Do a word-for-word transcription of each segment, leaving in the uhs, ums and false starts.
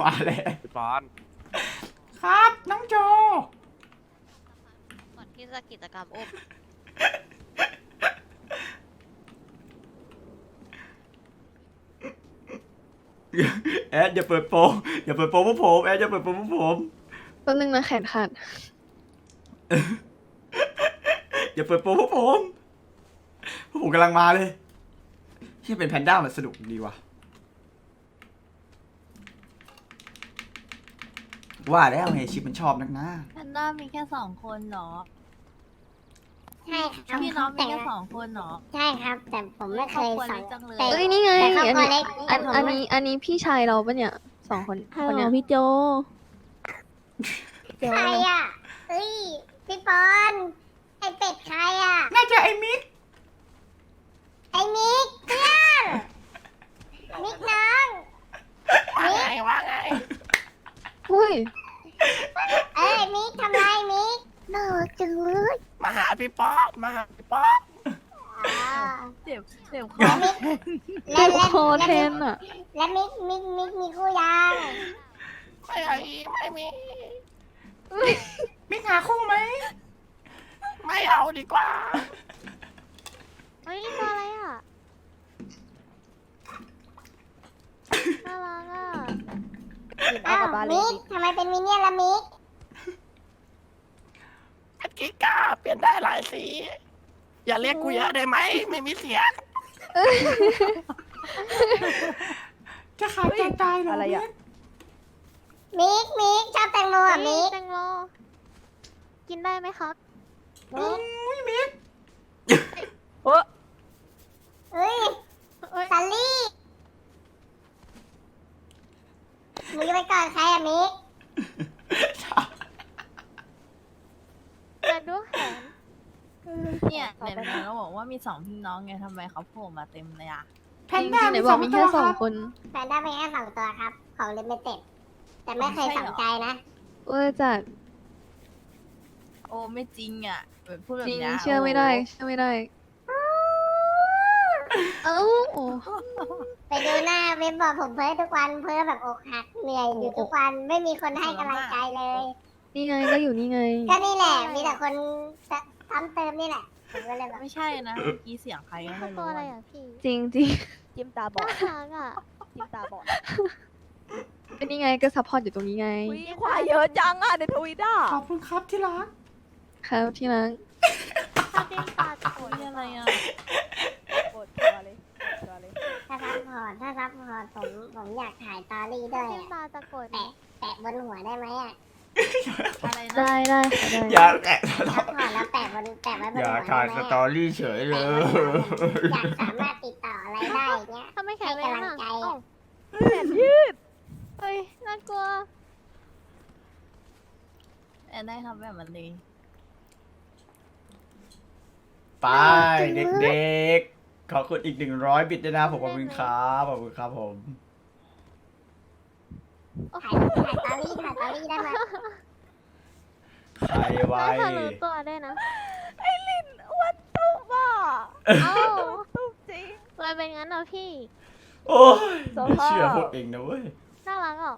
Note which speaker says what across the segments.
Speaker 1: มาแล้ว
Speaker 2: พี่ปอน
Speaker 1: ครับน้องโจ
Speaker 3: ก่อนที่จะกิจกรรมอุ้ม
Speaker 1: แอดอย่าเปิดโปงอย่าเปิดโปงพวกผมแอดอย่าเปิดโปงพวกผม
Speaker 4: แป๊บนึงนะแขนขาด
Speaker 1: อย่าเปิดโปงพวกผมพวกผมกำลังมาเลยที่เป็นแพนด้ามันสนุกดีว่ะว่าแล้วไงชิปมันชอบนักนะ
Speaker 5: แพนด้ามีแค่สองคนเหรอ
Speaker 6: ใช่ครับ
Speaker 5: พี่น้องมี
Speaker 6: แต่
Speaker 5: แค่สองคนเหรอ
Speaker 6: ใช่ครับ แต่ผมไม่เคย
Speaker 5: ครอบครัว
Speaker 6: สอ
Speaker 5: เล็
Speaker 6: น
Speaker 5: กจังเลย
Speaker 6: แต่
Speaker 4: เอ้ยนี่ไง
Speaker 6: แต่ครอบ
Speaker 4: อัน
Speaker 6: ครัว
Speaker 4: นี้
Speaker 6: เล็ก
Speaker 4: อัน
Speaker 6: แต่ผม
Speaker 4: อัน
Speaker 6: ไม่
Speaker 4: นี้อันนี้พี่ชายเราปะเนี่ยสองคน
Speaker 7: ฮัล
Speaker 4: คน
Speaker 7: โหล
Speaker 4: เนี้ย
Speaker 7: พี่โจ
Speaker 6: ใครอ่ะเอ้ยพี่ปอนไอเป็ดใครอ่ะ
Speaker 1: น่าจะไอ้มิก
Speaker 6: ไอมิกเพื่อนมิกน้องมิก
Speaker 2: ว่าไง
Speaker 4: อุ้ย
Speaker 6: เอ้ยมิกทำไรมิกน่ารักจังเลย
Speaker 2: มาหาพี่ป๊อกมาหาพี่ป๊อก
Speaker 6: อ่า
Speaker 5: เจ็บเจ็บค
Speaker 6: แล้
Speaker 5: อ
Speaker 6: วมิก
Speaker 4: เจ็บคอ
Speaker 6: แล้ว
Speaker 4: แท
Speaker 6: มิก
Speaker 4: นอ่ะ
Speaker 6: แล้วมิกมิกมิกมีคู่ยัง
Speaker 2: ไม่เอาอีกไม่มี
Speaker 1: มิกหาคู่ไหม
Speaker 2: ไม่เอาดีกว่า
Speaker 3: เฮ้ยตัวอะไรอ่ะ น่ารักอ่ะ
Speaker 6: อ้าวมิกทำไมเป็นมินเนี่ยนละมิก
Speaker 2: เป็นกิ๊กกาเปลี่ยนได้หลายสี อย่าเรียกกูเยอะได้ไหมไม่มีเสียง
Speaker 1: จะขายใจตายเหรออะไรอ่ะ
Speaker 6: มิกมิกชอบแตงโมอ่ะมิก
Speaker 3: แตงโมกินได้ไหมครับ
Speaker 6: มิก
Speaker 1: อุ้ยมิก
Speaker 6: เอ้ยซัลลี่มึงจะไปก่อนใครอะมิก
Speaker 3: แต่ดูแขน
Speaker 5: เนี่ยไหนๆเราบอกว่ามีสองพี่น้องไงทำไมเขาโผล่มาเต็มเลยอ่ะ
Speaker 1: แพ
Speaker 4: จ
Speaker 1: น
Speaker 4: ริง
Speaker 1: ด้า
Speaker 4: ๆไหน
Speaker 1: มี
Speaker 4: บ
Speaker 1: ส
Speaker 4: อ
Speaker 1: อก ง
Speaker 4: มี
Speaker 1: ตั
Speaker 4: แค่
Speaker 1: ว
Speaker 4: ส
Speaker 1: ค
Speaker 4: อง
Speaker 1: รับ
Speaker 4: คน
Speaker 6: แพนด้าเป็นแค่สองตัวครับ ของลิมิเต็ดแต่ไม่เคยสนใจนะ
Speaker 4: เออจัด
Speaker 5: โอ้ไม่จริงอ่ะแบบพูดแบบ
Speaker 4: จริง
Speaker 5: เนี้ย
Speaker 4: เชื่อไม่ได้เชื่อไม่ได้ เอ้า
Speaker 6: ไปดูหน้าเว็บบอกผมเพ้อทุกวันเพ้อแบบอกหักเหนื่อยอยู่ทุกวันไม่มีคนให้กำลังใจเลย
Speaker 4: นี่ไงก็อยู่นี่ไง
Speaker 6: ก็นี่แหละ มีแต่คนซ้ำเติมนี่แหละผมก็เลยแบบ
Speaker 5: ไม่ใช่นะเมื่อกี้เสียงใครก็ไม่
Speaker 3: ตัว
Speaker 5: รู้
Speaker 3: อะไร
Speaker 5: อะ
Speaker 3: อ่ะพี่
Speaker 4: จริงจริง
Speaker 7: จิ้มตาบอด
Speaker 3: น่ารักอ่ะ
Speaker 7: จิ้มตาบอด
Speaker 4: เป็นนี่ไงก็ซัพพอร์ตอยู่ตรงนี้ไง
Speaker 7: อุ้ยควายเยอะจังอ่ะในทวิตอ่ะ
Speaker 1: ขอบคุณครับที่รัก
Speaker 4: ครับที่รัก
Speaker 3: ถ้าจิ้มตาจะโกรธ
Speaker 5: นี่อะไรอ่ะ
Speaker 7: ปวดตัวเลยปวดตัวเลย
Speaker 6: ถ้าซับพอร์ตถ้าซับพอร์ตผมผมอยากถ่ายตอรี่ด้วย
Speaker 3: จิ้ม
Speaker 6: อะ
Speaker 3: ตาจะโกรธ
Speaker 6: แปะแปะบนหัวได้ไหมอ่ะ
Speaker 5: อะไรนะ
Speaker 4: ได้ได้ค่ะได้
Speaker 1: อย่าแกะ
Speaker 6: ซับพอร์ตแล้วแปะบนแปะไว้บน
Speaker 1: อย่า
Speaker 6: หัว
Speaker 1: ถ่าย
Speaker 6: ได้
Speaker 1: ส
Speaker 6: ไหม
Speaker 1: ตอ
Speaker 6: อะ
Speaker 1: รี่เฉยเลย
Speaker 6: อยากสามารถติดต่ออะไรได้เงี้ย
Speaker 3: ถ้าไม่แข็
Speaker 6: ให้
Speaker 3: งแรง
Speaker 6: กำลัง
Speaker 3: อ่ะ
Speaker 6: ใจ
Speaker 3: เอ้า
Speaker 6: อะ
Speaker 7: แขนยืด
Speaker 3: เฮ้ย น่ากลัว
Speaker 5: แอนได้ทำแบบมันเลย
Speaker 1: ไปเด็กๆ ขอบคุณอีกหนึ่งร้อยบิตด้วยนะผมขอบคุณครับขอบคุณครับผม
Speaker 6: ถ่ายถ่ายตอรี่ถ่ายตอรี่ได้ไหม
Speaker 1: ใครไว้
Speaker 3: น่าจะรู้ตัวได้วยนะ
Speaker 7: ไอ้ลินอ้วนตุ๊บอ่ะ
Speaker 3: เอ้า
Speaker 7: ตุ๊บจริง
Speaker 3: เลยเป็นงั้นเหรอพี่
Speaker 1: โอ้ย
Speaker 7: ส
Speaker 1: ไม่
Speaker 7: ภาพ
Speaker 1: เชื่อพวกเองนะเว้ย
Speaker 3: น่ารักอ่ะ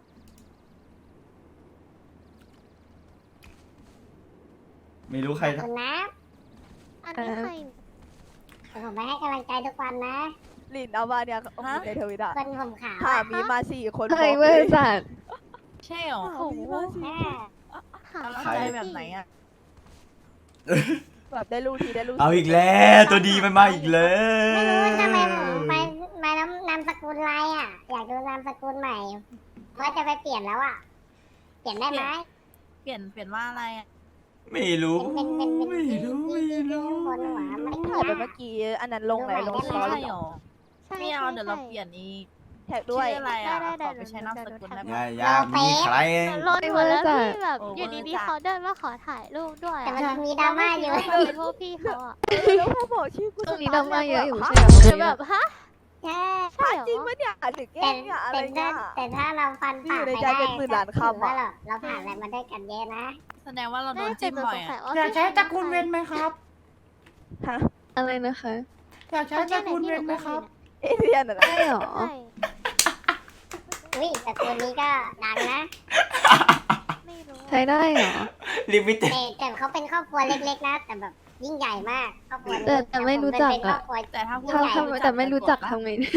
Speaker 1: ไม่รู้ใค
Speaker 6: ข
Speaker 1: ร
Speaker 6: อบคุณนะ
Speaker 3: อันนี้ใคร
Speaker 6: เดี๋ยวผมไปให้กำลังใจทุกวันนะ
Speaker 7: ลินเอามาเนี่ยโอ้โหในทวิตอ่ะ
Speaker 6: คนผมขาว
Speaker 7: หา
Speaker 6: อะ
Speaker 7: มีมาสี่คน
Speaker 4: เฮ้ย
Speaker 7: บอก
Speaker 4: เว้ย
Speaker 7: เลย
Speaker 4: จัด
Speaker 5: ใช่หรอ
Speaker 7: หามีมาสี่
Speaker 6: แม่
Speaker 3: หาก
Speaker 5: ำลัง
Speaker 3: ใคร
Speaker 5: ใจแบบไหนอ่ะ
Speaker 7: แบบได้รู้ทีได้รู้
Speaker 1: เอาอีกแล้วตัวดีมันมาอีกแล้
Speaker 6: ไม่รู้
Speaker 1: ว
Speaker 6: ทำไมผมไปมานำนามสกุลอะไรอ่ะ อยากดูนามสกุลใหม่ว่าจะไปเปลี่ยนแล้วอ่ะ เปลี่ยนได้ไหม
Speaker 5: เปลี่ยนเปลี่ยนว่าอะไรอ่ะ
Speaker 1: ไม่รู้
Speaker 6: เป็นเป็นเป็น
Speaker 1: ไม่รู้ไม่
Speaker 6: ที่
Speaker 1: รู้
Speaker 6: บนหัวไม่
Speaker 7: ถ่ายไป
Speaker 6: ได้
Speaker 7: เมื่อกี้อันนั้นลงไหนลง
Speaker 5: ไม่
Speaker 7: สตอ
Speaker 5: ใช่
Speaker 7: รี่
Speaker 5: หรอ
Speaker 3: ใช่
Speaker 5: ไม่เอา
Speaker 3: ใช่
Speaker 5: เดี๋ยวเรา
Speaker 3: ใช่
Speaker 5: เปลี่ยนอีก
Speaker 7: แท็กด้วย
Speaker 5: ชื่ออะไรอ่ะ
Speaker 3: ได้ได้
Speaker 5: ขอไป
Speaker 3: ได้
Speaker 5: ใช้นามสกุลได้
Speaker 3: เดี๋
Speaker 5: ไหม
Speaker 3: ยว
Speaker 1: อย่าอย่ามีใคร
Speaker 3: รถหมดแล้ว
Speaker 4: ไม่ว่าจะ
Speaker 3: พี่แบบ
Speaker 5: โอ้
Speaker 3: อยู่
Speaker 5: เวอร์
Speaker 3: ดี
Speaker 5: จั
Speaker 3: ๆ
Speaker 5: ด
Speaker 3: เขาเดินมาขอถ่ายรูปด้วย
Speaker 6: แต่
Speaker 3: อะ
Speaker 6: มันมีดราม่าอยู่
Speaker 3: เราไม่คิดว่าเป็นพวกพี่เขาอ่ะ
Speaker 7: แล้วพอบอกชื่อกู
Speaker 4: ตรงนี้ดราม่าเยอะอยู่
Speaker 7: ฮะ
Speaker 4: ใช่ไหม
Speaker 3: จะแบบฮะ
Speaker 6: ใช่
Speaker 3: ใช่เหรอ
Speaker 7: จริงปะเนี่ยหรือแกล้
Speaker 6: แต่
Speaker 7: งเนี่ยอะไร
Speaker 6: แต่ถ้า
Speaker 7: เงี้ย
Speaker 6: แต่ถ้าเราฟันปาก
Speaker 7: อยู่ใน
Speaker 6: ไป
Speaker 7: ใจ
Speaker 6: ได้
Speaker 7: เป็นหมื่นล้านคำอะ
Speaker 6: ถืว่าเราเราผ่านอะไรมาด้วยกันเยอะนะ
Speaker 5: แสดงว่าเราโดน
Speaker 3: น่าจะ
Speaker 5: จิ้ม
Speaker 3: จะ
Speaker 5: บ่
Speaker 3: ส
Speaker 5: อย
Speaker 3: งสัย
Speaker 5: อ่ะ
Speaker 3: ว่า
Speaker 1: อยากใช้ตระกูลเวนไหมครับ
Speaker 7: ฮะ
Speaker 4: อะไรนะคะ
Speaker 1: อยากใช้ตระกูลเวนไหมครับ
Speaker 7: เอเลียนอะนะ
Speaker 4: ใช่หรอ
Speaker 3: ใช่
Speaker 6: อุ้ยตระกูลนี้ก็ดังนะ
Speaker 3: ไม่รู้
Speaker 4: ใช้ได้เหรอ
Speaker 1: ลิมิเต็ด
Speaker 6: แต่แต่เขาเป็นครอบครัวเล็กๆนะ แต่แบบยิ่งใหญ่มากครอบครัวนี้
Speaker 4: แต่แต่ไม่รู้จัก
Speaker 6: เป็นคร
Speaker 4: อะ
Speaker 6: อบครัว
Speaker 5: แต่ถ้าพูด
Speaker 4: ถ้า
Speaker 6: ใหญ่
Speaker 4: ถ้าแต่ไม่รู้จักทำไงได้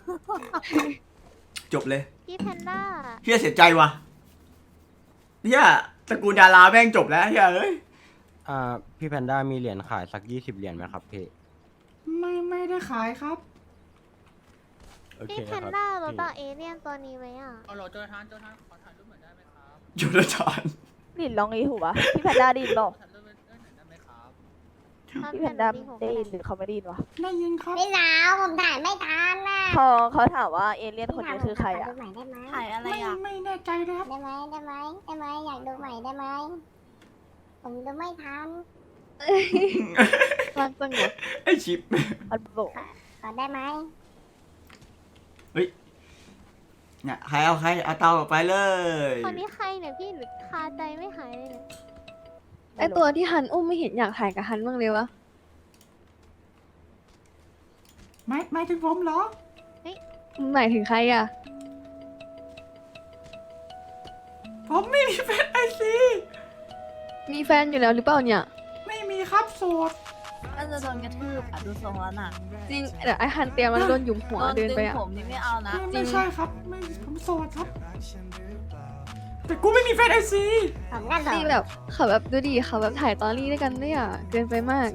Speaker 1: จบเลย
Speaker 3: พี่แพนด้า
Speaker 1: เฮียเสียใจว่ะเฮียตระกูลดาราแม่งจบแล้วเฮียเอ้ย
Speaker 8: อ่าพี่แพนด้ามีเหรียญขายสักยี่สิบเหรียญไหมครับพี่
Speaker 1: ไม่ไม่ได้ขายครับ
Speaker 8: โอเค
Speaker 3: พี่แพ
Speaker 8: คน รับ
Speaker 3: ด้ารู้
Speaker 8: พี่
Speaker 3: จักเอเลี่ยนตัวนี้ไหมอ่ะ
Speaker 2: เอาโหลโจทานโจทานขอถ่ายรูปหน่อยได้ไหมครับ
Speaker 1: จุลจาร
Speaker 7: ดินลองอีหูวะพี่แพนด้าไดยินบอก
Speaker 2: ถ่ายรูปหน่อยได้ไหมครับ
Speaker 7: พี่แพนด้าได้ยินหรือเขาไม่ได้ยินวะ
Speaker 1: ได้ยินครับ
Speaker 6: พี่สาวผมถ่ายไม่ทันน่ะ
Speaker 7: พอเขาถามว่าเอเลี่ยนคนนี้คือใครอะ
Speaker 6: ดูใหม่ได้ไหม
Speaker 5: ถ่ายอะไร
Speaker 1: ไม่
Speaker 5: อ่ะ
Speaker 1: ไม่แน่ใจนะครับ
Speaker 6: ได้ไหมได้ไหมได้ไหมอยากดูใหม่ได้ไหมผมดูไม่ทัน
Speaker 4: รักจังเลย
Speaker 1: ไอชิป
Speaker 7: มันบอก
Speaker 6: ขอได้ไหม
Speaker 1: เนี่ยใครเอาใครเอาเตาออกไปเลย
Speaker 3: คนนี้ใครเนี่ยพี่หรือคาใจไม่หายเลยเนี่ย
Speaker 4: ไอตัวที่ฮันอุ้มไม่เห็นอยากถ่ายกับฮันบ้างเลยวะ
Speaker 1: ไม่ไม่ถึงผมเหรอ
Speaker 4: หมายถึงใครอะ
Speaker 1: ผมไม่มีแฟนไอซี
Speaker 4: มีแฟนอยู่แล้วหรือเปล่าเนี่ย
Speaker 1: ไม่มีครับโสด
Speaker 5: น่าจะโดนกระทืบอ่ะดูทรงแล้วน่ะ
Speaker 4: จริงเดี๋ยวไอฮันเตรียมมันโดนหยุมหัว
Speaker 5: โดน
Speaker 4: เดิ
Speaker 5: ดึ
Speaker 4: น
Speaker 5: ง
Speaker 4: ไปอะ
Speaker 5: ผมนี่ไม่เอานะ
Speaker 1: ไม่ไม่ใช่ครับไม่ผมโสดครับ แต่กูไม่มีแฟนไอซี
Speaker 6: ผมก็สอ
Speaker 4: นี่
Speaker 6: ง
Speaker 4: แบบเขาแบบดูดิเขาแบบถ่ายตอรี่ด้วยกันด้วยอะเกินไปมาก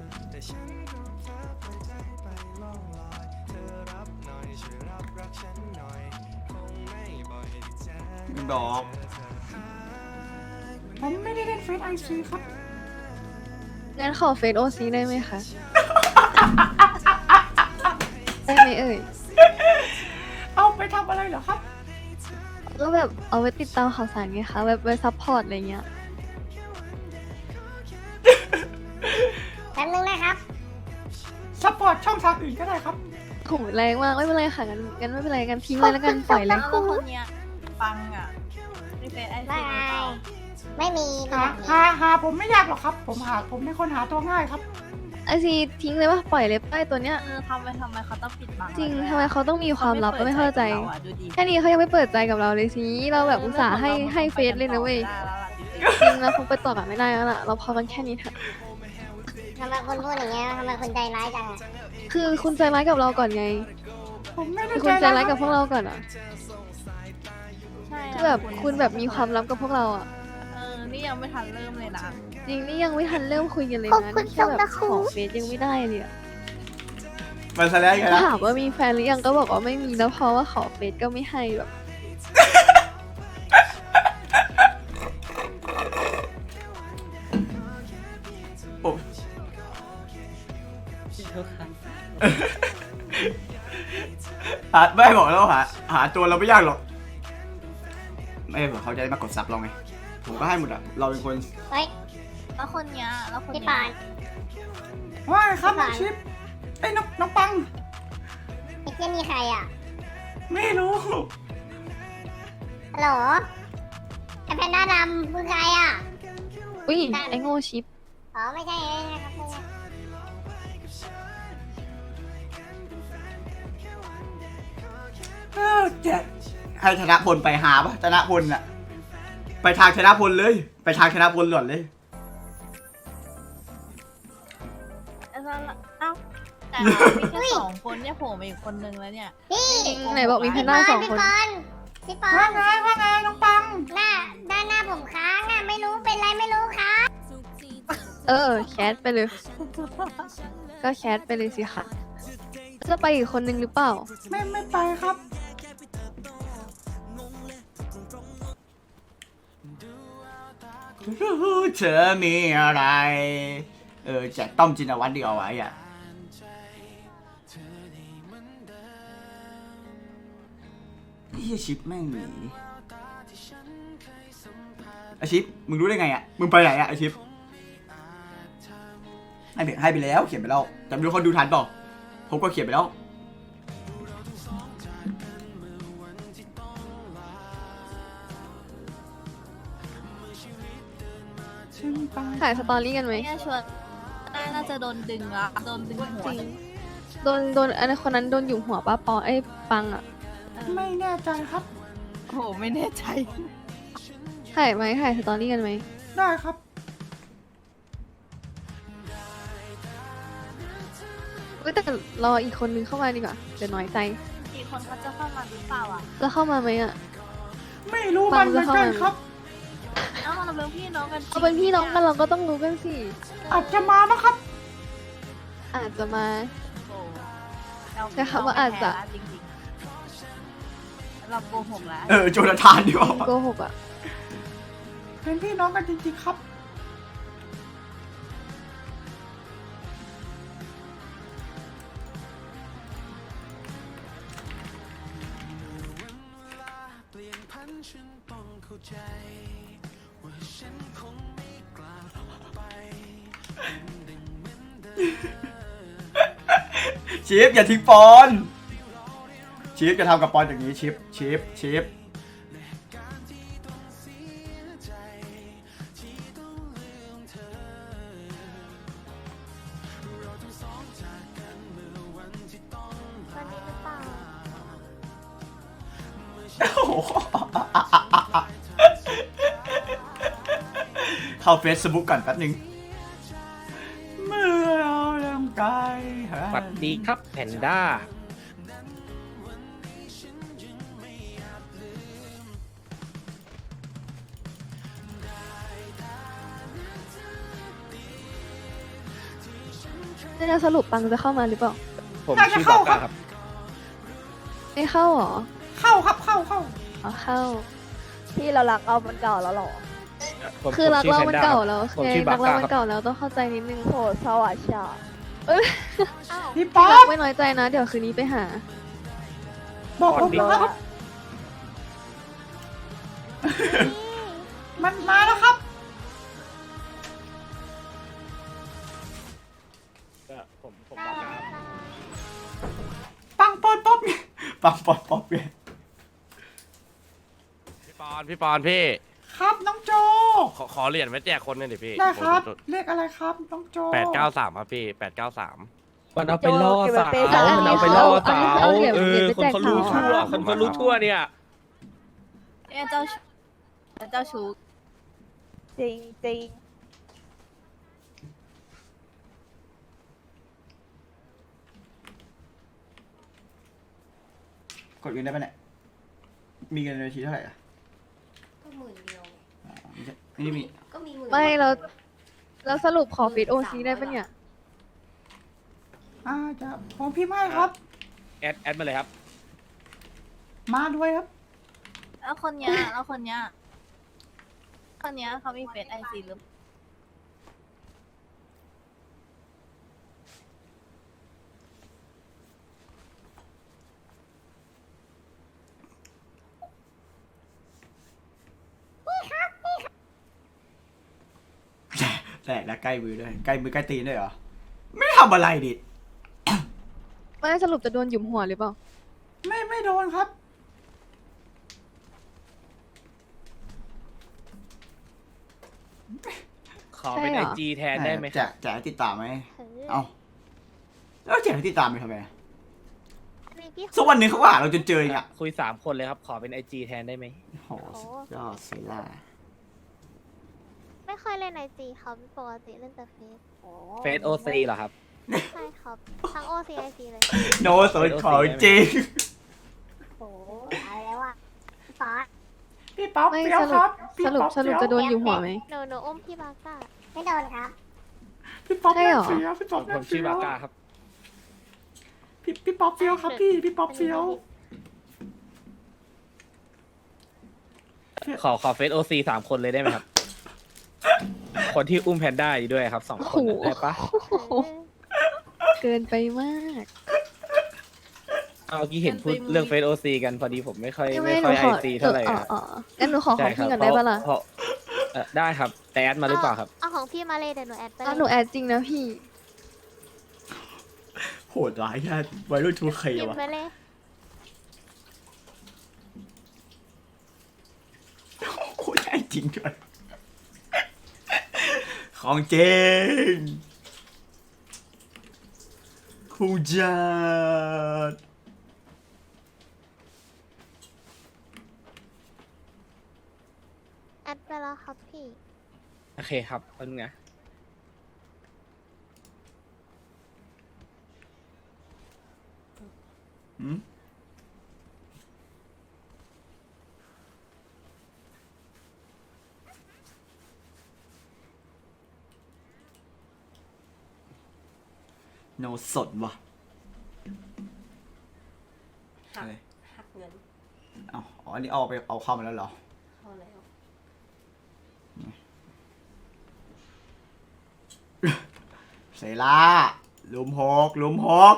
Speaker 1: ดอก ผมไม่ได้เล่นเฟซไอซีครับ
Speaker 4: งั้นขอเฟซโอซีได้ไหมคะ ได้ไหมเอ่ย
Speaker 1: เอาไปทำอะไรเหรอครับ
Speaker 4: ก็แบบเอาไว้ติดตามข่าวสารไงคะแบบไว้ซัพพอร์ตอะไรเงี้ย
Speaker 6: แป๊บนึงนะครับ
Speaker 1: ซัพพอร์ตช่องทางอื่นก็ได้ครับ
Speaker 4: โหแรงมากไม่เป็นไรค่ะงั้นงั้นไม่เป็นไรกันทิ้งเลยแล้วกันปล่อยเลย
Speaker 5: แล้วคนเนี้ยฟังอ่ะมีเฟซไอ
Speaker 6: ไม่
Speaker 5: ซีหรือเปล่า
Speaker 6: ไม่มี
Speaker 1: หาหาหาผมไม่ยากหรอกครับ ผมหาผมเป็นคนหาตัวง่ายครับ
Speaker 4: ไอซีทิ้งเลยว่าปล่อยเลยป้ายตัวเนี้ย
Speaker 5: เออทำไมทำไมเขาต้องปิดบัง
Speaker 4: จริง
Speaker 5: เาด้วย
Speaker 4: ทำไมเขาต้องมีความลับก็ไม่เข้าใจ
Speaker 5: ขไม่ปิดกับเราอะดูดิ
Speaker 4: แค่นี้เขายังไม่เปิดใจกับเราเลยสิเราแบบอุตส่าห์ให้ให้เฟซเลยนะเว้ย
Speaker 5: ได้แล้วล่ะจริง
Speaker 4: จริงเราคงไปต่อกันไม่ได้แล้วล่ะเราพอกันแค่นี้เถอะ
Speaker 6: ทำไมคุณพูดอย่างเงี้ยทำไมคุณใจร้ายจังอะ
Speaker 4: คือคุณใจร้ายกับเราก่อนไง
Speaker 1: ผมไม่ได้
Speaker 4: คือคุณใจร้ายกับพวกเราก่อนอ่ะ
Speaker 5: ๆใช่
Speaker 4: คือแบบคุณแบบมีความลับกับพวกเราอ่ะ
Speaker 5: เออนี่ยังไม่ทันเริ่มเลยนะ
Speaker 4: จริงนี่ยังไม่ทันเริ่มคุยกันเลย
Speaker 3: ขอบ
Speaker 4: นะ
Speaker 3: คุณ
Speaker 4: นี่แค่แบบ
Speaker 3: สำหรับ
Speaker 4: ข
Speaker 3: คุ
Speaker 4: อ
Speaker 3: ณ
Speaker 4: เฟซยังไม่ได้เลยอะ
Speaker 1: มันแสดงกันนะ
Speaker 4: ถามว่ามีแฟนหรือยังก็บอกว่าไม่มีแล้วเพราะว่าขอเฟซก็ไม่ให้แบบ
Speaker 1: โอ้หาไม่บอกแล้วหาหาตัวเราไม่ยากหรอก ไม่บอกเขาจะได้มากดซับเราไง ผมก็ให้หมดอ่ะ เราเป็นคน
Speaker 6: เฮ้ย
Speaker 5: แล้วคนเนี้ยแล้วคน
Speaker 6: พี่
Speaker 5: เนี้
Speaker 6: ปอย น
Speaker 1: ว่าไงครับน้องชิปไอ้ยน้องน้องปัง
Speaker 6: ไอ้เจ้านี่ใครอ่ะ
Speaker 1: ไม่รู้
Speaker 6: ฮัลโหลไอ้แพนด้าดำคือใครอ่ะ
Speaker 4: อุ้ยไอโง่ชิป
Speaker 6: อ๋อไม่ใช่เองนะครับไม่ใช่
Speaker 1: เออแจกให้ชนะพลไปหาปะชนะพลน่ะ ไปทางชนะพลเลย ไปทางชนะพลหล่อนเลย
Speaker 5: เอ้าเอ้าแต่เรามีแค่สองคนเนี่ยโผล่มาอีกคนนึงแล้วเนี่ย
Speaker 6: พี่
Speaker 4: จริงไหนบอกมีแพนด้าสองคน
Speaker 6: พี่ปอนพี่ปอน
Speaker 1: ว่าไงว่าไงน้องปัง
Speaker 6: หน้าด้านหน้าผมค้างอ่ะไม่รู้เป็นไรไม่รู้ครับ
Speaker 4: เออแคสไปเลย ก็แคสไปเลยสิค่ะจะไปอีกคนนึงหรือเปล่า
Speaker 1: ไม่ไม่ไปครับเธอมีอะไร เออแจกต้อมจินวัตรดีเอาไว้อ่ะพี่ชิปแม่งหนีไอชิปมึงรู้ได้ไงอ่ะมึงไปไหนอ่ะไอชิปให้ไปให้ไปแล้วเขียนไปแล้วแต่ไม่รู้คนดูทันเปล่าผมก็เขียนไปแล้ว
Speaker 4: ถ่ายสตอรี่กันไหม
Speaker 5: ไม่งั้นชวนน่าจะโดนดึงละโดนดึงหัว
Speaker 4: จริง โดนโดนอันนั้นคนนั้นโดนหยุมหัวป้าปอไอ้ปังอ่ะ
Speaker 1: ไม่แน่ใจครับ
Speaker 4: อ
Speaker 5: โหไม่แน่ใจ
Speaker 4: ถ่ายไหมถ่ายสตอรี่กันไหม
Speaker 1: ได้ครับ
Speaker 4: เอ้ยแต่รออีกคนนึงเข้ามาดีกว่าเดี๋ยวน้อยใจ
Speaker 5: อีกคนเขาจะเข้ามาหรือเปล่าอ่ะ
Speaker 4: จะเข้ามาไหมอ่ะ
Speaker 1: ไม่รู้มันเหมือนกันครับ
Speaker 5: เอ้าเราเป็นพี่น้องกัน
Speaker 4: เอาเป็นพี่น้องกันเราก็ต้องรู้กันสิ
Speaker 1: อาจจะมานะครับ
Speaker 4: อาจจะมา
Speaker 5: โอ้เรา
Speaker 4: แต่คำว่าอาจจะ
Speaker 5: จริงๆเราโกหกแล้ว
Speaker 1: เออโจนาธานดีกว่า
Speaker 4: โกหกอ่ะ
Speaker 1: เป็นพี่น้องกันจริงๆครับ ชิปอย่าทิ้งปอนชิปจะทำกับปอนอย่างนี้ชิปชิปชิป
Speaker 3: วันนี้หรือเปล่า
Speaker 1: โอ้โหเข้าเฟซบุ๊กก่อนแป๊บนึงเมื่อเราเริ่มไกล
Speaker 9: สวัสดีครับแพนด้า
Speaker 4: จะสรุปปังจะเข้ามาหรือเปล่า
Speaker 9: ผมชื่อบอกก้าครับ
Speaker 4: ไม่เข้าหรอ
Speaker 1: เข้าครับเข้าเข้า
Speaker 4: อ๋อเข้า
Speaker 7: ที่เรารักเอามันเก่าแล้วเหรอ
Speaker 9: ผม
Speaker 4: คือรัก
Speaker 9: ผม
Speaker 4: เรา
Speaker 9: ชื่
Speaker 4: มัน
Speaker 9: แพด้
Speaker 4: เก่า
Speaker 9: ครับ
Speaker 4: แล้ว
Speaker 9: ผม
Speaker 4: ไง
Speaker 9: ชื่อ
Speaker 4: รั
Speaker 9: บัก
Speaker 4: กเรา
Speaker 9: ก้า
Speaker 4: มัน
Speaker 9: ครับ
Speaker 4: เก่าแล้วต้องเข้าใจนิดนึง
Speaker 7: โหสวัสดี
Speaker 4: เอ้ย
Speaker 3: อ้าว
Speaker 1: พี่ป๊อ
Speaker 4: รัก
Speaker 1: ป
Speaker 4: ไม่น้อยใจนะ เดี๋ยวคืนนี้ไปหา
Speaker 1: บอกผม
Speaker 9: ดี
Speaker 1: นะครับ มันมาแล้วครับ
Speaker 9: ผมผมบักก้าครับ
Speaker 1: ปังปอนป๊อปเนี่ยปังปอนป๊อปเนี่ย
Speaker 9: พี่ปอนพี่ปอนพี่
Speaker 1: ครับน้องโจ
Speaker 9: ขอขอเหรียญไว้แจกคนหนึงดิพี่
Speaker 1: ได้ครับเลขอะไรครับน้องโจ
Speaker 9: แปดเก้าสามครับพี่แปดเก้าสาม
Speaker 8: มันเอาไปล่อสาว
Speaker 7: เก็บไว้เปย์สาว
Speaker 8: มันเอาไปล่อสาว
Speaker 4: เอาเหรียญ
Speaker 8: เอ
Speaker 4: เหรียญ
Speaker 8: อ
Speaker 4: ไป
Speaker 8: คน
Speaker 4: แจก
Speaker 8: เขารู้
Speaker 4: สาว
Speaker 8: ทั่วคนเขารู้ทั่วเนี่ย
Speaker 5: เนี่ยเจ้าชู้เจ้าชู้
Speaker 7: จริงจริง
Speaker 1: กดเงินได้ปะเนี่ย มีเงินในบัญชีเท่าไหร่อ่ะ
Speaker 3: ก็หมื่นเดียว
Speaker 1: อ๋อไม่ใช่ไม่ได้มี
Speaker 3: ก็มีหมื่น
Speaker 4: ไม่เราเราสรุปขอฟีดโอซีได้ปะเนี่ย
Speaker 1: อ่าจะผมพี่ไม่ครับ
Speaker 9: แอดแอดมาเลยครับ
Speaker 1: มาด้วยครับ
Speaker 5: แล้วคนเนี้ยแล้วคนเนี้ยคนเนี้ยเขามีเฟซไอซีหรือ
Speaker 1: แตกแล้วใกล้มือด้วย ใกล้มือใกล้ตีนด้วยเหรอ ไม่ทำอะไรดิ
Speaker 4: ไม่สรุปจะโดนหยุมหัวหรือเปล่า
Speaker 1: ไม่ไม่โดนครับ
Speaker 9: ขอเป็น
Speaker 4: ใช่
Speaker 9: ไอ
Speaker 4: เหรอ
Speaker 9: จีแทนได้ไหมค
Speaker 1: แจ
Speaker 9: รับ
Speaker 1: กแจกให้ติดตามไหม
Speaker 3: เออ
Speaker 1: เอาแล้วแจกให้ติดตามไปทำไมอะ
Speaker 3: มีพี่
Speaker 1: สักวันหนึ่งเขาก็หาเราจนเจอเองอ่ะ
Speaker 9: คุยสามคนเลยครับ ขอเป็นไอจีแทนได้ไหม
Speaker 1: โอ้โหสุดยอดสิล่ะ
Speaker 3: ไม่ค่อยเล่นไอจีครับปกติเล่นแต่เฟซ
Speaker 6: โอ้
Speaker 9: เฟซโอซีเหรอครับ
Speaker 3: ใช่ครับ ทั้งโอซีไอซีเลย
Speaker 1: โนสนของจริง
Speaker 6: โหเอาแล้วอ่ะพี่ป๊อป
Speaker 1: พี่ป๊อป
Speaker 4: ไม่
Speaker 1: เฟี้ยว
Speaker 4: ส
Speaker 1: ค
Speaker 4: รุ
Speaker 1: รั
Speaker 4: ป
Speaker 1: บพี่
Speaker 4: สรุป
Speaker 1: ป๊อป
Speaker 4: สรุปจะโดนหยุมหัวไหม
Speaker 3: หนูหนูอุ้มพี่บาก้า
Speaker 6: ไม่โดนครับ
Speaker 1: พี่ป๊อป
Speaker 4: ใช่เหรอ
Speaker 1: เฟี้ยวพี่
Speaker 9: ผ
Speaker 1: ป๊อป
Speaker 9: มผมชื่อบาก้าครับ
Speaker 1: พี่พี่ป๊อปเฟี้ยวครับพี่ พี่ป๊อปเฟี้ยว
Speaker 9: ขอขอเฟซโอซีสามคนเลยได้ไหมครับ คนที่อุ้มแพนด้าอยู่ด้วยครับสองคนน่ะได้ปะ
Speaker 4: โอ้โหเกินไปมาก
Speaker 9: เอาเมื่อกี้เห็นพูดเรื่องเฟซโอซีกันพอดีผมไม่ค่อย
Speaker 4: ยัง
Speaker 9: ไม่
Speaker 4: ไม่ห
Speaker 9: ค่
Speaker 4: นู
Speaker 9: อย
Speaker 4: ข
Speaker 9: ไอ
Speaker 4: อ
Speaker 9: ซีเท่าไหร่
Speaker 4: อ๋อ
Speaker 9: อะ
Speaker 4: อ๋องั้นหนูขอของ
Speaker 9: ใช่ครั
Speaker 4: พี่
Speaker 9: บ
Speaker 4: ก่อนได้ปะล่ะ
Speaker 9: เพราเอ่อได้ครับ แต่แอดมาหรือเปล่าครับ
Speaker 3: เอาของพี่มาเลยเดี๋ยวหนูแอดไป
Speaker 4: อ้าวหนูแอดจริงนะพี่
Speaker 1: โหดร้ายแค่วัยรุ่นทูเค
Speaker 3: พิม
Speaker 1: วะ
Speaker 3: พ์ไปเลย
Speaker 1: โคตรใช่จริงด้วยของจริงคูจัด
Speaker 3: แล้วครับพี่
Speaker 9: โอเคครับแป๊บนึงนะ
Speaker 1: หืมโนสดว่ะอะไร
Speaker 10: หักเงิน
Speaker 1: เอาอ๋ออันนี้เอาไปเอาเข้ามาแล้วเหรอ
Speaker 10: พอแล้ว
Speaker 1: เซล่าลุมหกลุมหก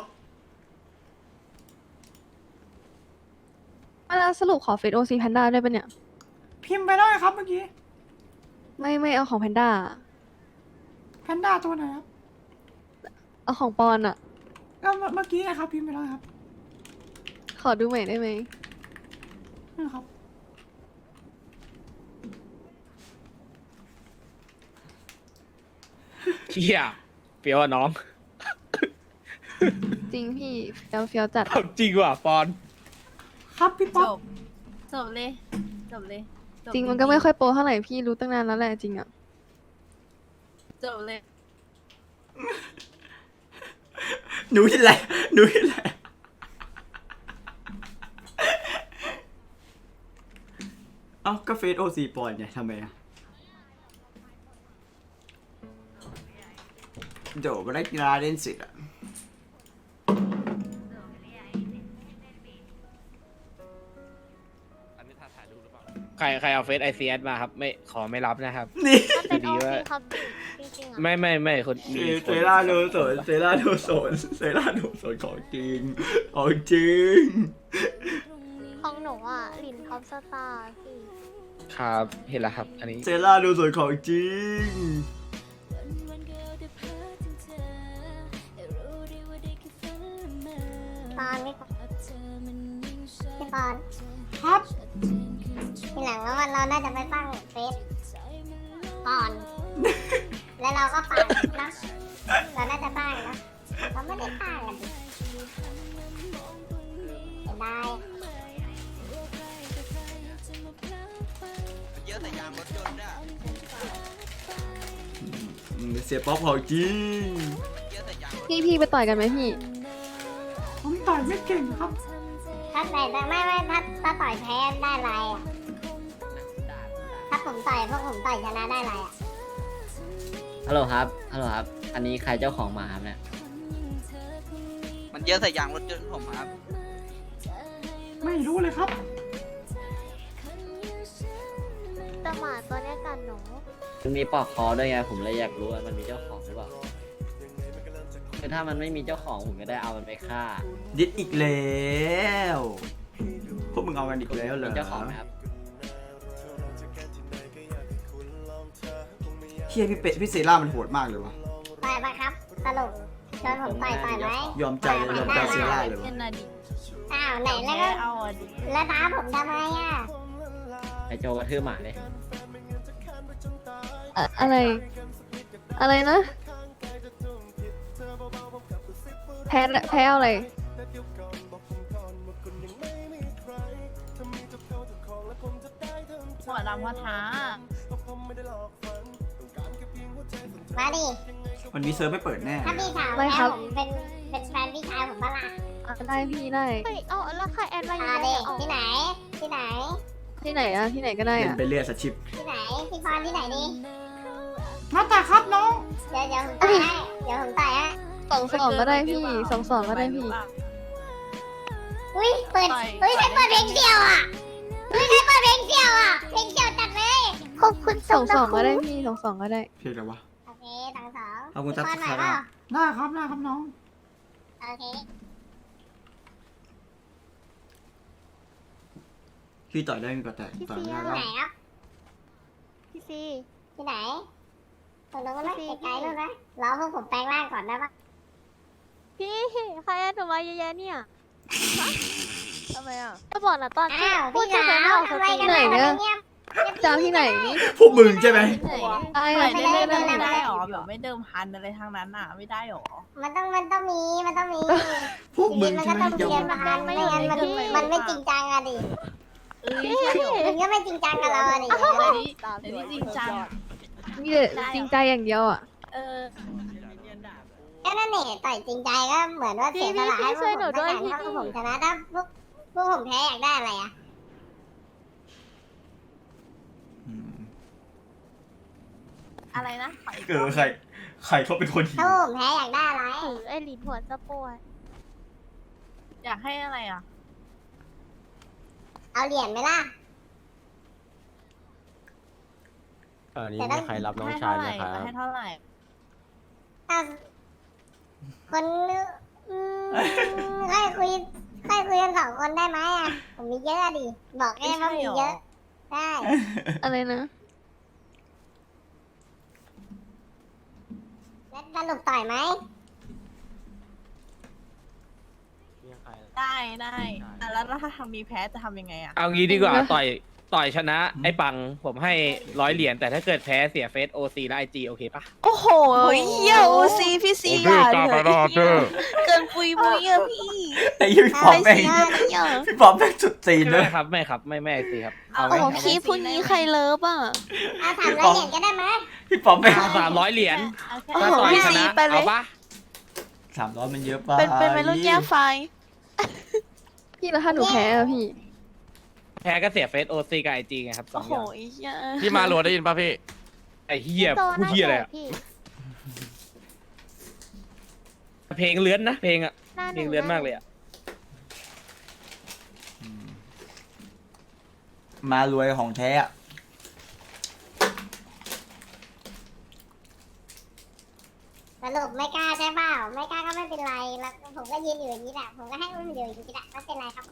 Speaker 4: แล้วสรุปขอเฟซโอซีแพนด้าได้ปะเนี่ย
Speaker 1: พิมพ์ไปได้ครับเมื่อกี้
Speaker 4: ไม่ไม่เอาของแพนด้า
Speaker 1: แพนด้าตัวไหนครับ
Speaker 4: เอาของปอนอะ
Speaker 1: ก็เมื่อเมื่อกี้นะครับพิมพ์ไปแล้วครับ
Speaker 4: ขอดูใหม่ได้ไหม
Speaker 1: นี่ครับ
Speaker 9: เฮียเฟี้ยวอะน้อง
Speaker 4: จริงพี่เฟี้ยวเฟี้ยวจัด
Speaker 9: เอาจริงว่ะปอน
Speaker 1: ครับพี่
Speaker 5: จ
Speaker 1: ป๊อป
Speaker 5: บ จบเลย จบเลยจบ
Speaker 4: จริงมันก็ไม่ค่อยโปรเท่าไหร่พี่รู้ตั้งนานแล้วแหละจริงอะ
Speaker 5: จบเลย
Speaker 1: หนูที่ไรหนูที่ไรเอ้าก็เฟซโอซีปอนไงทำไมอะเดี๋ยวมาได้กีฬาเล่นสิทธิ์อะ
Speaker 9: ใครใครเอาเฟซไอซีเอสมาครับ ไม่ขอไม่รับนะครับ
Speaker 1: นี่
Speaker 3: มันเป็น
Speaker 9: ดี
Speaker 3: โอ
Speaker 9: ว่า
Speaker 3: ซีครับจริงๆอ่ะ
Speaker 9: ไม่ไม่ไม่คนมี
Speaker 1: เซ
Speaker 9: คน
Speaker 1: เซล่าโนสนเซล่าโนสนเซล่าโนสนของจริงของจริง
Speaker 3: ของหนูอ่ะลินท็อปสตาร์พี่
Speaker 9: ครับเห็นแล้วครับ อันนี้
Speaker 1: เซล่าโนสนของจริง
Speaker 6: ปอนพี่พี่ปอน
Speaker 1: ครับ
Speaker 6: ทีหลังว่าวันเราน่าจะไปตั้งเฟซก่อน แล้วเราก็ปั่นนะเราน่าจะตั้งนะเราไม่ได้ตั้งกันดิเสียดาย
Speaker 2: เยอะแต่ยางรถยนต์เนี่ย
Speaker 1: อืมเสียป๊อปของจริง
Speaker 2: เยอะแต่ยางรถ
Speaker 4: พี่พี่ไปต่อยกันไหมพี่
Speaker 1: ผมต่อยไม่เก่งครับ
Speaker 6: ถ้าแต่แต่ไม่ไม่ถ้าถ้าต่อยแพ้ได้ไรอ่ะ ถ้าผมต่อยพวกผมต่อยชนะได้ไรอ่ะ
Speaker 10: ฮัลโหลครับ ฮัลโหลครับ อันนี้ใครเจ้าของหมาครับเนี่ย
Speaker 2: มันเยอะแต่ยางรถยนต์ผมครับ
Speaker 1: ไม่รู้เลยครับ
Speaker 3: แต่หมาตัวเนี้ยกัดหนู
Speaker 10: มันมีปลอกคอด้วยไง ผมเลยอยากรู้ว่ามันมีเจ้าของหรือเปล่าคือถ้ามันไม่มีเจ้าของผมก็ได้เอามันไปฆ่า
Speaker 1: ดิดอีกแล้วพวกมึงเอากันอีกแล้วเหรอ
Speaker 10: มีเจ้าของไหมครับ
Speaker 1: เฮียพี่เป็ดพี่เซล่ามันโหดมากเลยวะ
Speaker 6: ต่อยปะครับ สรุปชวนผมต่อยต่อยไหม
Speaker 1: ยอมใจเลยยอมใจเซล่าเลยวะ
Speaker 5: เล่นน่ะดิ
Speaker 6: อ้าวไหนแล้วก็
Speaker 5: เอาอ่ะดิ
Speaker 6: แล้วท้าผมทำไมอ่ะ
Speaker 10: ไอโจกระทืบหมาเลย
Speaker 4: อะอะไร อะไรนะ แพ้แพ้เอาอะไร
Speaker 5: หัวดำหัวท้า
Speaker 6: มาดิ
Speaker 1: วันนี้เซิร์ฟไม่เปิดแน่
Speaker 6: ถ้าพี่ถาม
Speaker 4: ไม่
Speaker 6: แม่
Speaker 4: ครับ
Speaker 6: ผมเป็นเป็นแฟนพี่ชายผมปะล่ะ
Speaker 4: อ่ะได้พี่ได้
Speaker 3: เฮ้ยเอาแล้วใครแอดมาอยู่
Speaker 6: อ่า
Speaker 3: ใน
Speaker 6: ดิ
Speaker 3: ออก
Speaker 6: ที่ไหน ที่ไหน
Speaker 4: ที่ไหนอะที่ไหนก็ได้
Speaker 1: เล่น
Speaker 4: อะ
Speaker 1: ไปเรื่อยสชิป
Speaker 6: ที่ไหน พี่พรที่ไหนดิ
Speaker 1: มาแต่ครับน้อง
Speaker 6: เดี๋ยวเดี๋ยวผมต่อยให้ เดี๋ยวผมต่อยให้
Speaker 4: สองสองก็ได้พี่สองสองก็ได้พี่
Speaker 6: อุ้ยเปิดอุ้ยใครเปิดเพลงเสี่ยวอ่ะอุ้ยใครเปิดเพลงเสี่ยวอ่ะ เพลงเสี่ยวจัดเลย
Speaker 3: ขอบคุณ
Speaker 4: สองสอง
Speaker 3: นะ
Speaker 4: ก็ได้พี่สองสองก็ได้
Speaker 1: เพียงแต่ว่า
Speaker 6: โอเคสองสอง
Speaker 1: ขอบคุณ
Speaker 6: พี่
Speaker 1: ครับ
Speaker 6: พรไหวเปล่า
Speaker 1: ได้ครับได้ครับน้อง
Speaker 6: โอเค
Speaker 1: พี่ต่อยได้ก็แต่ต่อยไม่ได้
Speaker 6: ที่
Speaker 1: แล้ว
Speaker 6: ไหนครับ
Speaker 3: พี่ซี
Speaker 6: ที่ไหนตรงนู้นไหมไกลๆนู้นไหมรอพวกผมแปลงร่างก่อนได้ปะ
Speaker 3: พี่ใครแอดหนูมาเยอะแยะเนี่ย
Speaker 7: ทำไมอ่ะ
Speaker 3: จะบอกนะตอนที่
Speaker 6: อ้าว
Speaker 3: พูด
Speaker 6: พี่
Speaker 3: จะ
Speaker 6: สา
Speaker 3: เป็น
Speaker 6: ว
Speaker 3: ไม่ออกส
Speaker 6: ทำไม
Speaker 3: ติ
Speaker 6: กัน
Speaker 4: ไหน
Speaker 6: มา
Speaker 4: เนี่ย
Speaker 6: เงียบ
Speaker 4: จะเอาที่ไหนนี่
Speaker 1: พวกมึงใช่ไหม
Speaker 4: ได้
Speaker 5: ไม่
Speaker 4: อะ
Speaker 5: ได้
Speaker 4: ที่
Speaker 5: ไม่
Speaker 4: ไหน
Speaker 5: ได้
Speaker 4: ก็ได้
Speaker 5: ไม่ได้หรอแบบไม่เดิมพันอะไรทางนั้นอ่ะ ไม่ได้หรอ
Speaker 6: มันต้องมันต้องมีมันต้องมี
Speaker 1: พวกมึง
Speaker 6: มัน
Speaker 1: ใช่
Speaker 6: ก็
Speaker 1: ไหม
Speaker 6: ต้อง
Speaker 1: อย่า
Speaker 6: เรียนมาไม่งั้นมันมันไม่จริงจังอะดิ
Speaker 5: เอ้ยใช่เหรอ
Speaker 6: มึงก็ไม่จริงจังกับเราอะไรอย่างเงี้ย
Speaker 5: เดี๋ยวนี้เดี๋ยวนี้จริงจัง
Speaker 4: มีแต่จริงใจอย่างเดียวอ่ะ
Speaker 5: เออ
Speaker 6: ก็นั่นเองต่อยจริงใจก็เหมือนว่าเสียสละให้พวกผมถ้าการถ้าพวกผมชนะถ้าพวกพวกผมแพ้อยากได้อะไรอ่ะ
Speaker 1: อืม
Speaker 5: อะไรนะขออีก
Speaker 1: เออใครใครเขาเป็นคนหิ
Speaker 6: ถ้าว พวกผมแพ้อยากได้อะไร
Speaker 3: ถือไอ้หลินหัวสะปวด
Speaker 5: อยากให้อะไรอ่ะ
Speaker 6: เอาเหรียญไหมล่ะ
Speaker 8: ตอนนี้
Speaker 6: แต่ต้
Speaker 8: มี
Speaker 6: อง
Speaker 8: ใครรับน้อง
Speaker 5: ให้
Speaker 8: ชา
Speaker 5: เท่าย ไห
Speaker 8: ไหม
Speaker 5: ร่
Speaker 8: ครับ
Speaker 5: ให้เท่าไหร่
Speaker 6: ถ้าคนอืมค่อยคุยค่อยคุยกันสองคนได้ไหมอ่ะผมมีเยอะดิบอกแค่ว่ามีเยอะได้
Speaker 4: อะไรนะ
Speaker 6: แล้วสรุปต่อยไหม
Speaker 8: มีใคร
Speaker 5: ได้ได้อ่ะแล้วถ้าทำมีแพ้จะทำยังไงอ่ะ
Speaker 9: เอางี้ดีกว่าต่อยต่อยชนะไอ้ปังผมให้ร้อยเหรียญแต่ถ้าเกิดแพ้เสียเฟซโอซีและไอจีโอเคปะ
Speaker 7: โอ้โหเฮียโอซีพี่ซีอย่าเลยเกินปุยมุยอะพี่
Speaker 1: ไอ้พี่ปอมแม่ง
Speaker 7: ไอ้เหี้ย
Speaker 1: พี่ปอมแม่งสุดตีนเล
Speaker 9: ไม่
Speaker 1: ย
Speaker 9: ครับไม่ครับไม่ไม่ไอซีครับเอาไหม
Speaker 7: โอ้พี่พูดงี้ใครเลิฟอ่ะ
Speaker 6: เอาถามรายละเอียดก็ได้ไหม
Speaker 1: พี่ปอมแม่ง
Speaker 9: สามร้อยเหรียญ
Speaker 5: เอาแค่
Speaker 7: โอ้
Speaker 9: ถ้า
Speaker 7: โห
Speaker 9: ต่อย
Speaker 7: พี่
Speaker 9: ช
Speaker 7: ซี
Speaker 9: นะ
Speaker 7: ไปเลย
Speaker 9: เอาปะ
Speaker 1: สามร้อยมันเยอะไป
Speaker 7: เป็นเป็นวัยรุ่นแย่ไฟ
Speaker 4: พี่แล้วถ้าหนูแพ้อะพี่
Speaker 9: แพ้ก็เสียเฟซโอซีกับไอจีไงครับสอ
Speaker 7: โอ้
Speaker 9: ง
Speaker 7: โห
Speaker 9: อย่าง
Speaker 7: ไอ้เหี้ย
Speaker 2: พี่มาโหลดได้ยินป่ะพี่
Speaker 9: ไอเฮีย
Speaker 3: โต
Speaker 9: ผู้
Speaker 3: น่า
Speaker 9: เฮียอะไร
Speaker 3: แก่
Speaker 9: อะ
Speaker 3: พี่
Speaker 9: เพลงเลื้อนนะเพลงอะ
Speaker 3: หน้าห
Speaker 9: เพล
Speaker 3: นึ่
Speaker 9: ง
Speaker 3: ง
Speaker 9: เลื้อนมากเลยอะ
Speaker 1: อืมมารวยของแท้อะ
Speaker 6: สรุปไม่กล้าใช่เปล่าไม่กล้าก็ไม่เป็นไรแล้วผมก็ยืนอยู่อย่างนี้แหละผมก็ให้อุ้มอยู่อย่างนี้แหละไม่เป็นไรครับ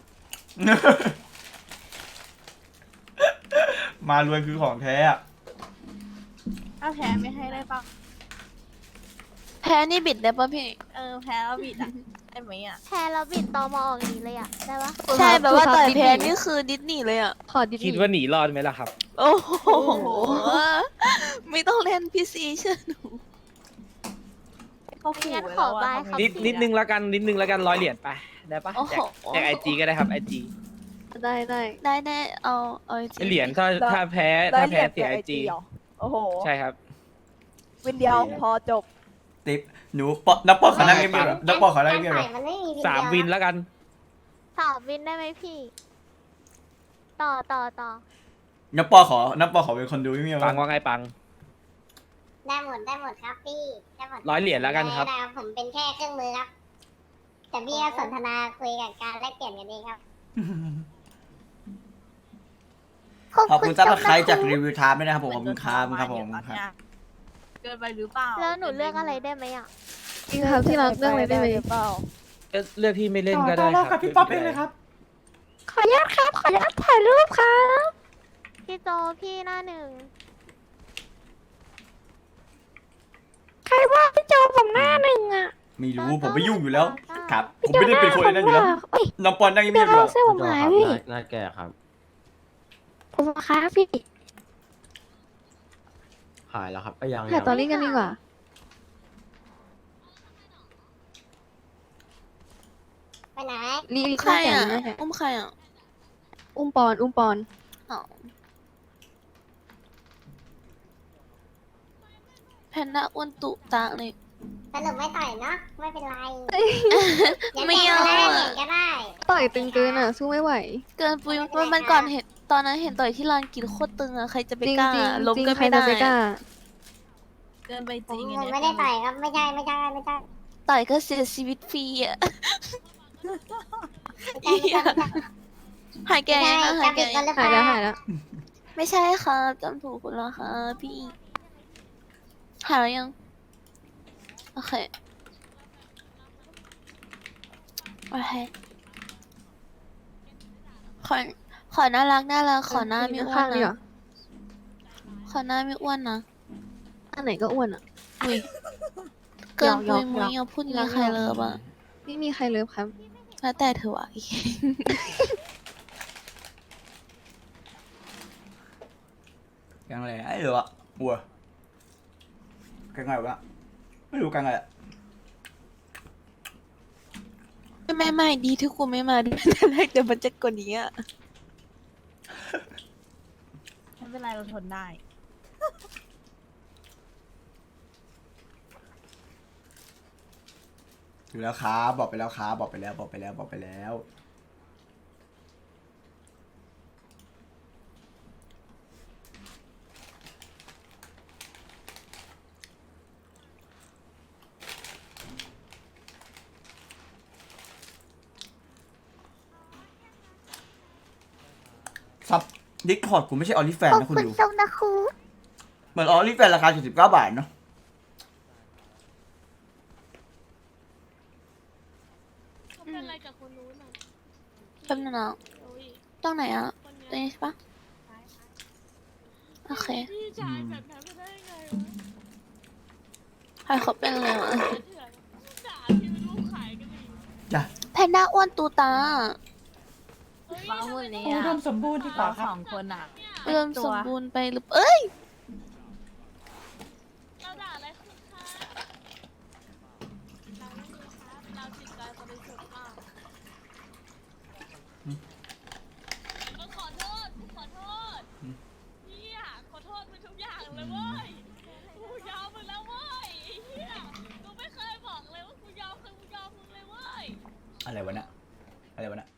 Speaker 1: มารวยคือของแท้อะ
Speaker 5: ถ้าแพ้ไม่ให้ได้ปะ
Speaker 7: แพ้นี่บิดได้ปะพี่
Speaker 5: เออแพ้แล้วบิดอ่ะได้ไหมอ่ะ
Speaker 3: แพ้แล้วบิดตอมอออกอย่างนี้เลยอ่ะ ได้ปะ
Speaker 7: ใช่แบบว่า
Speaker 4: ถูกครับ
Speaker 7: ต่อย
Speaker 4: ดิสนีย์
Speaker 7: แพ้นี่คือดิสนีย์เลยอ่ะ
Speaker 4: ขอดิส
Speaker 9: คิด
Speaker 4: นีย์
Speaker 9: ว่าหนีรอดไหมล่ะครับ
Speaker 7: โอ้โหไม่ต้องเล่นพี่ซีเชื่อหนู
Speaker 5: เขาขู่
Speaker 3: งั้น
Speaker 5: ไว้
Speaker 3: ขอ
Speaker 5: แล้ว
Speaker 3: บาย
Speaker 5: อะ
Speaker 3: เขา
Speaker 9: นิดนิดนึงละกันนิดนึงละกันร้อยเหรียญไปได้ปะ
Speaker 7: โอ้โห
Speaker 9: แจกไอจีก็ได้ครับไอจี
Speaker 4: ได้ได้
Speaker 7: ได้ได้เอาเอาจริง
Speaker 9: เหรียญถ้าถ้าแพ้ถ้าแพ้เสียไอจี
Speaker 7: โอ้โห
Speaker 9: ใช่ครับ
Speaker 7: วินเดียวพอจบ
Speaker 1: ติ๊บหนูปอนับปอขอนั่งเงียบๆเหรอนับปอขอนั่งเงียบๆเหรอ
Speaker 6: การต่อยมันไม่มี
Speaker 9: สามวินแล้วกัน
Speaker 3: สอบวินได้ไหมพี่ ต่อต่อต่อ
Speaker 1: นับปอขอนับปอขอเป็นคนดูเงียบๆ
Speaker 9: ปั
Speaker 1: วะ
Speaker 9: งว่าไงปัง
Speaker 6: ได้หมดได้หมดครับพี่ได้หมด
Speaker 9: ร้อยเหรียญแล้วกันครับ
Speaker 6: ได้ผมเป็นแค่เครื่องมือครับ แต่พี่ก็สนทนาคุยกับการแลกเปลี่ยนกันเองครับ
Speaker 1: ขอบคุณซับสไครต์จากรีวิวไทม์ด้วยนะครับผมขอบคุณครับครับผมครับ
Speaker 5: เกินไปหรือเปล่า
Speaker 3: แล้วหนูเลือกอะไรได้ไหมอ่ะ
Speaker 4: จริงครับที่รักเรื่องอะไรได้ไหม
Speaker 9: ก็เลือกที่ไม่เล่นก็ได้
Speaker 1: ต่อรอบ
Speaker 9: ค
Speaker 1: กั
Speaker 9: รั
Speaker 1: บบ พี่ป๊อปเองเลยครับ
Speaker 4: ขออนุญาตครับ ขออนุญาตถ่ายรูปครับ
Speaker 3: พี่โจพี่หน้าหนึ่ง
Speaker 4: ใครว่าพี่โจผมหน้าหนึ่งอ่ะ
Speaker 1: ไม่รู้ผมไม่ยุ่งอยู่แล้ว ครับ ผมไม่ได้เป็นคนในนั้นอยู่แล้ว
Speaker 4: เอ้ย
Speaker 1: น้องปอนนั่งเงี
Speaker 4: เดี๋ย
Speaker 1: ยว บๆอยู่
Speaker 4: เรา
Speaker 1: แล้ว
Speaker 4: เสื้อผมหายพี่
Speaker 8: หน้าแก่ครับ
Speaker 4: ผมครับพี่
Speaker 8: หายแล้วครับก็ยัง
Speaker 4: ถ่ายตอรี่กันดีกว่า
Speaker 6: ไปไหน
Speaker 4: รีรี
Speaker 7: ใครอ่ะ
Speaker 4: แข่งนะ
Speaker 7: อุ้มใครอ่ะ
Speaker 4: อุ้มปอน อุ้มปอน
Speaker 7: อ๋อแพนด้าอ้วนตุตาเลย
Speaker 6: สรุปไม่ต่อยเนาะไม่เป็นไร
Speaker 7: ไม่เอา
Speaker 6: ได้
Speaker 7: อะ
Speaker 6: เหรียญก็ได้
Speaker 4: ต่อยตึงเกินอ่ะ สู้ไม่ไหว
Speaker 7: เกินปุยมันมันก่อนเห็นตอนนั้นเห็นต่อยที่ลานกินโคตรตึงอ่ะใครจะไป
Speaker 4: จริง
Speaker 7: กล้า
Speaker 4: จริง
Speaker 7: ล้ม
Speaker 4: จริง
Speaker 7: ก็
Speaker 4: ใคร
Speaker 7: ไม่
Speaker 4: จะ
Speaker 7: ได้
Speaker 4: ไปกล้า
Speaker 5: เกินไป
Speaker 6: ผ
Speaker 5: จริ
Speaker 6: ม
Speaker 5: ง
Speaker 6: ผมไม่ได้ต่อยครับไม่ใช่ไม่ใช่ไม่ใช่
Speaker 7: ต่อยก็เสียชีวิตฟรีอ่ะ
Speaker 6: ไม่ใช่ไม่ใช่ไม่ใช่
Speaker 7: หายแก
Speaker 6: ไม่
Speaker 7: ยัง
Speaker 6: ใช่
Speaker 7: นะหายแก
Speaker 6: จำผิดคนหรือเป
Speaker 4: หาย
Speaker 6: ล่า
Speaker 4: แล้วหายแล้ว
Speaker 7: ไม่ใช่ค่ะจำถูกคนละค่ะพี่หายแล้วยังโอเคโอเคขอขอน่ารักน่ารักขอหน้าไม่อ้ว
Speaker 4: ข้าน งๆดีกว่า
Speaker 7: นะขอหน้าไม่อ้วนนะ
Speaker 4: อันไหนก็อ้วนอ่ะ
Speaker 7: อุ้ยเกิน
Speaker 4: หย
Speaker 7: ปุ
Speaker 4: อก
Speaker 7: ย
Speaker 4: ๆ
Speaker 7: มุย
Speaker 4: หยอก
Speaker 7: อ่ะพูดงี้ใครเลิฟอ่ะ
Speaker 4: ไม่มีใครเลิฟครับ
Speaker 7: แล้วแต่เธอวะ
Speaker 1: กังอะไรไอ้เหรอวะวัวกังไงวะไม่รู้กังอะไรอะ
Speaker 7: ไม่ไม่ไม่ดีที่กูไม่มาด้วยแต่แรกเดี๋ยวมันจะกว่านี้อ่ะ
Speaker 5: ไม่เป็นไรเราทนได้
Speaker 1: อยู่แล้วครับบอกไปแล้วครับบอกไปแล้วบอกไปแล้วบอกไปแล้วซับดิสคอร์ดกูไม่ใช่ออลิแฟน
Speaker 3: ขอบ
Speaker 1: นะคุณ
Speaker 3: คุณ
Speaker 1: ดู
Speaker 3: ทรงนะครู
Speaker 1: เหมือนออลิแฟนราคาเจ็ดสิบเก้าบาทเนาะ
Speaker 7: เป็นอะไรกับคนนู้นอ่ะแป๊บนึงนะตรงไหนอ่ะตรงนี้ใช่ปะโอเคใครเขาเป็นอะไรวะ
Speaker 1: จ้ะ
Speaker 7: แพนด้าอ้วนตูตา
Speaker 5: ฟ้ามือนี้รวมสมบูรณ์ดีกว่าสองคนอ่ะ
Speaker 7: เริ่มสมบูรณ์ไปหรือเอ้ย
Speaker 11: เราด่าอะไรคุณคะเราไม่มีครับเราจิตใจบริสุทธิ์มากก็ขอโทษกูขอโทษเฮียขอโทษมึงทุกอย่างเลยเว้ยกูยอมมึงแล้วเว้ยเฮียกูไม่เคยบอกเลยว่ากูยอมคือกูยอมมึงเลยเว้ย
Speaker 1: อะไรวะเนี่ยอะไรวะเนี่ย